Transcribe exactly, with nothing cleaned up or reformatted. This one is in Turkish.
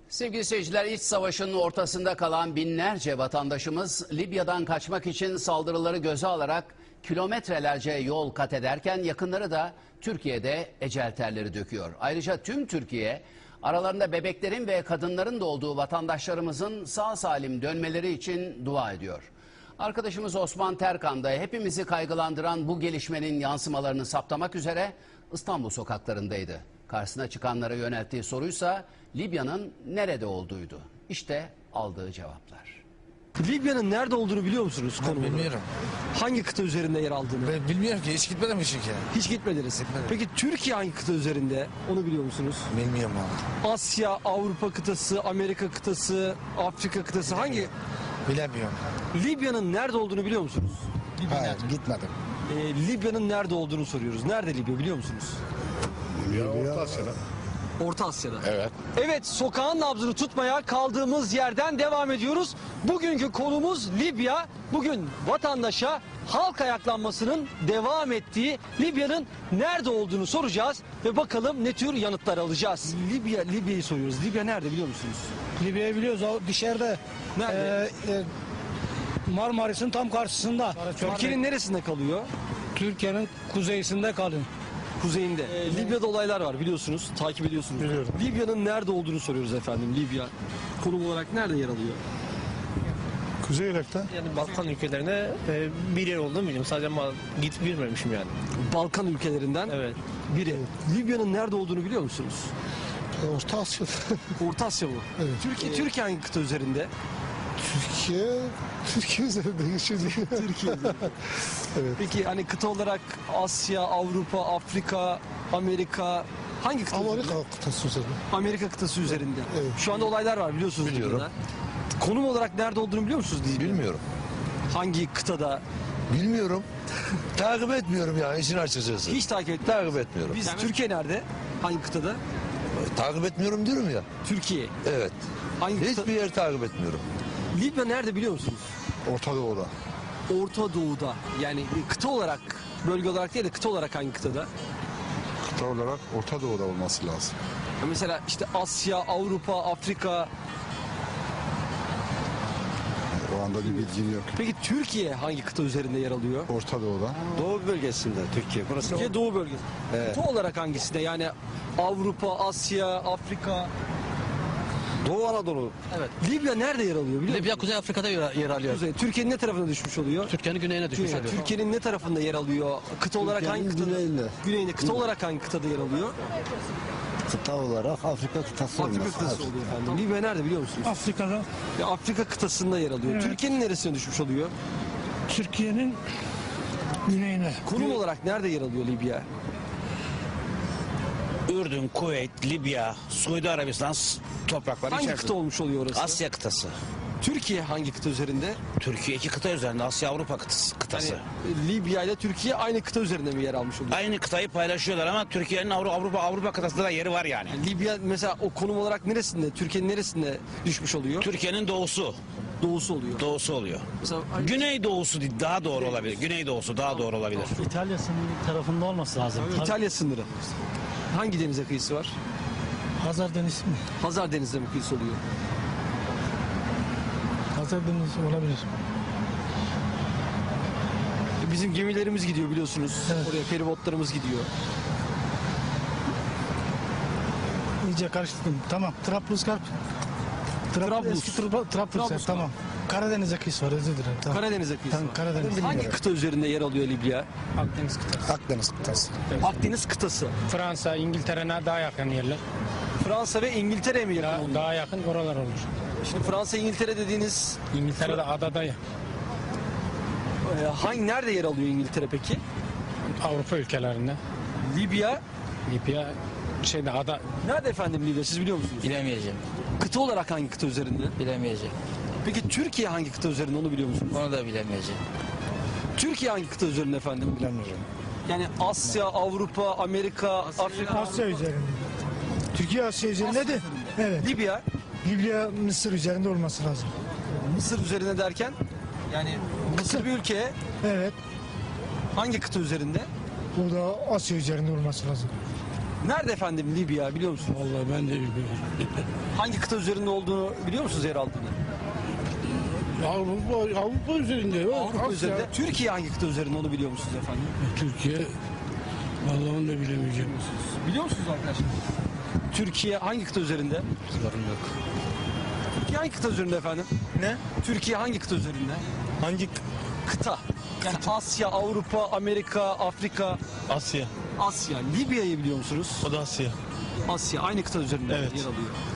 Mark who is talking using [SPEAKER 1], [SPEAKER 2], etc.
[SPEAKER 1] Sevgili seyirciler, iç savaşın ortasında kalan binlerce vatandaşımız Libya'dan kaçmak için saldırıları göze alarak kilometrelerce yol kat ederken yakınları da Türkiye'de ecel terleri döküyor. Ayrıca tüm Türkiye aralarında bebeklerin ve kadınların da olduğu vatandaşlarımızın sağ salim dönmeleri için dua ediyor. Arkadaşımız Osman Terkan da hepimizi kaygılandıran bu gelişmenin yansımalarını saptamak üzere İstanbul sokaklarındaydı. Karşısına çıkanlara yönelttiği soruysa Libya'nın nerede olduğuydu. İşte aldığı cevaplar.
[SPEAKER 2] Libya'nın nerede olduğunu biliyor musunuz?
[SPEAKER 3] Ben bilmiyorum.
[SPEAKER 2] Hangi kıta üzerinde yer aldığını?
[SPEAKER 3] Ben bilmiyorum ki, hiç gitmedim çünkü.
[SPEAKER 2] Hiç gitmediniz.
[SPEAKER 3] Gitmedim.
[SPEAKER 2] Peki Türkiye hangi kıta üzerinde? Onu biliyor musunuz?
[SPEAKER 3] Bilmiyorum abi.
[SPEAKER 2] Asya, Avrupa kıtası, Amerika kıtası, Afrika kıtası hangi?
[SPEAKER 3] Bilemiyorum.
[SPEAKER 2] Libya'nın nerede olduğunu biliyor musunuz?
[SPEAKER 3] Hayır, gitmedim.
[SPEAKER 2] Ee, Libya'nın nerede olduğunu soruyoruz. Nerede Libya biliyor musunuz?
[SPEAKER 4] Libya, Orta Asya'da.
[SPEAKER 2] Orta Asya'da.
[SPEAKER 4] Evet.
[SPEAKER 2] Evet, sokağın nabzını tutmaya kaldığımız yerden devam ediyoruz. Bugünkü konumuz Libya. Bugün vatandaşa halk ayaklanmasının devam ettiği Libya'nın nerede olduğunu soracağız ve bakalım ne tür yanıtlar alacağız. Libya, Libya'yı soruyoruz. Libya nerede biliyor musunuz?
[SPEAKER 5] Libya'yı biliyoruz, o dışarıda.
[SPEAKER 2] Nerede?
[SPEAKER 5] Ee, e, Marmaris'in tam karşısında.
[SPEAKER 2] Türkiye'nin neresinde kalıyor?
[SPEAKER 5] Türkiye'nin kuzeyinde kalıyor.
[SPEAKER 2] Kuzeyinde. Ee, Libya'da olaylar var biliyorsunuz, takip ediyorsunuz.
[SPEAKER 4] Biliyorum.
[SPEAKER 2] Libya'nın nerede olduğunu soruyoruz efendim. Libya konum olarak nerede yer alıyor?
[SPEAKER 4] Kuzey Irak'ta.
[SPEAKER 6] Yani Balkan ülkelerine e, bir yer olduğunu biliyorum. Sadece ama gidip bilmemişim yani.
[SPEAKER 2] Balkan ülkelerinden
[SPEAKER 6] Evet.
[SPEAKER 2] biri. Libya'nın nerede olduğunu biliyor musunuz?
[SPEAKER 4] Orta Asya'da.
[SPEAKER 2] Orta Asya bu.
[SPEAKER 4] Evet.
[SPEAKER 2] Türkiye, Türkiye hangi kıta üzerinde?
[SPEAKER 4] Türkiye, Türkiye üzerinde geçiyor.
[SPEAKER 2] Türkiye'de.
[SPEAKER 4] Evet.
[SPEAKER 2] Peki hani kıta olarak Asya, Avrupa, Afrika, Amerika hangi kıta üzerinde?
[SPEAKER 4] Amerika kıtası üzerinde.
[SPEAKER 2] Amerika kıtası üzerinde.
[SPEAKER 4] Evet.
[SPEAKER 2] Şu anda olaylar var biliyorsunuz.
[SPEAKER 7] Biliyorum.
[SPEAKER 2] Libya'da. Konum olarak nerede olduğunu biliyor musunuz? Libya'nın?
[SPEAKER 7] Bilmiyorum.
[SPEAKER 2] Hangi kıtada?
[SPEAKER 7] Bilmiyorum. Takip etmiyorum yani işin açıkçası.
[SPEAKER 2] Hiç takip et.
[SPEAKER 7] takip etmiyorum.
[SPEAKER 2] Biz Türkiye nerede? Hangi kıtada?
[SPEAKER 7] Takip etmiyorum diyorum ya.
[SPEAKER 2] Türkiye.
[SPEAKER 7] Evet.
[SPEAKER 2] Hangi kıta?
[SPEAKER 7] Hiçbir yer takip etmiyorum.
[SPEAKER 2] Libya nerede biliyor musunuz?
[SPEAKER 4] Orta Doğu'da.
[SPEAKER 2] Orta Doğu'da. Yani kıta olarak, bölge olarak değil de kıta olarak hangi kıtada?
[SPEAKER 4] Kıta olarak Orta Doğu'da olması lazım.
[SPEAKER 2] Ya mesela işte Asya, Avrupa, Afrika.
[SPEAKER 4] O anda bir bilgim yok.
[SPEAKER 2] Peki Türkiye hangi kıta üzerinde yer alıyor?
[SPEAKER 4] Orta Doğu'da.
[SPEAKER 7] Doğu bölgesinde Türkiye. Burası
[SPEAKER 2] Türkiye Doğu bölgesi. Kıta olarak hangisinde? Yani Avrupa, Asya, Afrika.
[SPEAKER 7] Doğu Anadolu.
[SPEAKER 2] Evet. Libya nerede yer alıyor biliyor musun?
[SPEAKER 8] Libya Kuzey Afrika'da yer, yer alıyor.
[SPEAKER 2] Kuzey. Türkiye'nin ne tarafına düşmüş oluyor?
[SPEAKER 8] Türkiye'nin güneyine düşmüş
[SPEAKER 2] Güney.
[SPEAKER 8] oluyor.
[SPEAKER 2] Türkiye'nin ne tarafında yer alıyor? Kıta olarak hangi kıtada?
[SPEAKER 7] güneyinde.
[SPEAKER 2] Güneyinde. Kıta olarak hangi kıtada yer alıyor?
[SPEAKER 7] Kıta olarak Afrika kıtası
[SPEAKER 2] Afrika kıtası oluyor efendim. Libya nerede biliyor musunuz?
[SPEAKER 5] Afrika'da
[SPEAKER 2] Ya Afrika kıtasında yer alıyor.
[SPEAKER 5] Evet.
[SPEAKER 2] Türkiye'nin neresine düşmüş oluyor?
[SPEAKER 5] Türkiye'nin güneyine.
[SPEAKER 2] Konum olarak nerede yer alıyor Libya?
[SPEAKER 9] Ürdün, Kuveyt, Libya, Suudi Arabistan s- toprakları
[SPEAKER 2] Hangi
[SPEAKER 9] içerisinde.
[SPEAKER 2] kıta olmuş oluyor orası?
[SPEAKER 9] Asya kıtası.
[SPEAKER 2] Türkiye hangi kıta üzerinde?
[SPEAKER 9] Türkiye iki kıta üzerinde, Asya Avrupa kıtası. kıtası.
[SPEAKER 2] Yani Libya ile Türkiye aynı kıta üzerinde mi yer almış oluyor?
[SPEAKER 9] Aynı kıtayı paylaşıyorlar ama Türkiye'nin Avru- Avrupa Avrupa kıtasında da yeri var yani.
[SPEAKER 2] Yani Libya mesela o konum olarak neresinde? Türkiye'nin neresinde düşmüş oluyor?
[SPEAKER 9] Türkiye'nin doğusu,
[SPEAKER 2] Doğusu oluyor.
[SPEAKER 9] doğusu oluyor.
[SPEAKER 2] Mesela
[SPEAKER 9] Güney doğusu daha doğru olabilir. Güney doğusu daha doğru olabilir.
[SPEAKER 10] İtalya sınırı tarafında olması lazım.
[SPEAKER 2] İtalya sınırı. Hangi denize kıyısı var?
[SPEAKER 10] Hazar Denizi mi?
[SPEAKER 2] Hazar Denizi'ne mi kıyısı oluyor?
[SPEAKER 10] Hazar Denizi olabilir.
[SPEAKER 2] Bizim gemilerimiz gidiyor biliyorsunuz.
[SPEAKER 10] Evet.
[SPEAKER 2] Oraya feribotlarımız gidiyor.
[SPEAKER 10] İyice karıştırdım. Tamam. Trablusgarp. Trab
[SPEAKER 2] Trablus.
[SPEAKER 10] Eski Trablusgarp.
[SPEAKER 2] Trablusgarp.
[SPEAKER 10] Tamam. Karadeniz'e kıyısı var. Özür dilerim. Tamam.
[SPEAKER 2] Karadeniz'e kıyısı
[SPEAKER 10] Tamam,
[SPEAKER 2] var.
[SPEAKER 10] Karadeniz.
[SPEAKER 2] Hangi kıta üzerinde yer alıyor Libya?
[SPEAKER 10] Akdeniz kıtası.
[SPEAKER 4] Akdeniz kıtası.
[SPEAKER 2] Akdeniz kıtası.
[SPEAKER 11] Fransa, İngiltere'ne daha yakın yerler.
[SPEAKER 2] Fransa ve İngiltere'ye mi yakın
[SPEAKER 11] Daha,
[SPEAKER 2] oluyor?
[SPEAKER 11] daha yakın oralar olur.
[SPEAKER 2] Şimdi Fransa, İngiltere dediğiniz
[SPEAKER 11] İngiltere'de adada ya.
[SPEAKER 2] e, hangi nerede yer alıyor İngiltere peki?
[SPEAKER 11] Avrupa ülkelerinde.
[SPEAKER 2] Libya
[SPEAKER 11] Libya şeyde ada
[SPEAKER 2] nerede efendim Libya siz biliyor musunuz?
[SPEAKER 8] Bilemeyeceğim.
[SPEAKER 2] Kıta olarak hangi kıta üzerinde?
[SPEAKER 8] Bilemeyeceğim.
[SPEAKER 2] Peki Türkiye hangi kıta üzerinde onu biliyor musunuz?
[SPEAKER 8] Onu da bilemeyeceğim.
[SPEAKER 2] Türkiye hangi kıta üzerinde efendim?
[SPEAKER 4] Bilemiyorum.
[SPEAKER 2] Yani Asya, Avrupa, Amerika, Afrika,
[SPEAKER 10] Asya üzerinde. Türkiye Asya üzerinde de. Evet.
[SPEAKER 2] Libya,
[SPEAKER 10] Libya Mısır üzerinde olması lazım.
[SPEAKER 2] Mısır üzerine derken yani Mısır bir ülke
[SPEAKER 10] Evet.
[SPEAKER 2] hangi kıta üzerinde?
[SPEAKER 10] O da Asya üzerinde olması lazım.
[SPEAKER 2] Nerede efendim Libya biliyor musunuz?
[SPEAKER 5] Vallahi ben de bilmiyorum.
[SPEAKER 2] Hangi kıta üzerinde olduğunu biliyor musunuz yer altında?
[SPEAKER 5] Avrupa, Avrupa üzerinde. yok.
[SPEAKER 2] Avrupa
[SPEAKER 5] Asya.
[SPEAKER 2] üzerinde. Türkiye hangi kıta üzerinde onu biliyor musunuz efendim?
[SPEAKER 5] Türkiye. Vallahi onu da bilemeyeceğim.
[SPEAKER 2] Biliyor musunuz arkadaşlar? Türkiye hangi kıta üzerinde?
[SPEAKER 8] Sorun yok.
[SPEAKER 2] Türkiye hangi kıta üzerinde efendim?
[SPEAKER 6] Ne?
[SPEAKER 2] Türkiye hangi kıta üzerinde?
[SPEAKER 6] Hangi
[SPEAKER 2] Kıta. Yani Asya, Avrupa, Amerika, Afrika,
[SPEAKER 6] Asya?
[SPEAKER 2] Asya. Libya'yı biliyor musunuz?
[SPEAKER 6] O da Asya.
[SPEAKER 2] Asya aynı kıta üzerinde
[SPEAKER 6] Evet.
[SPEAKER 2] yer alıyor.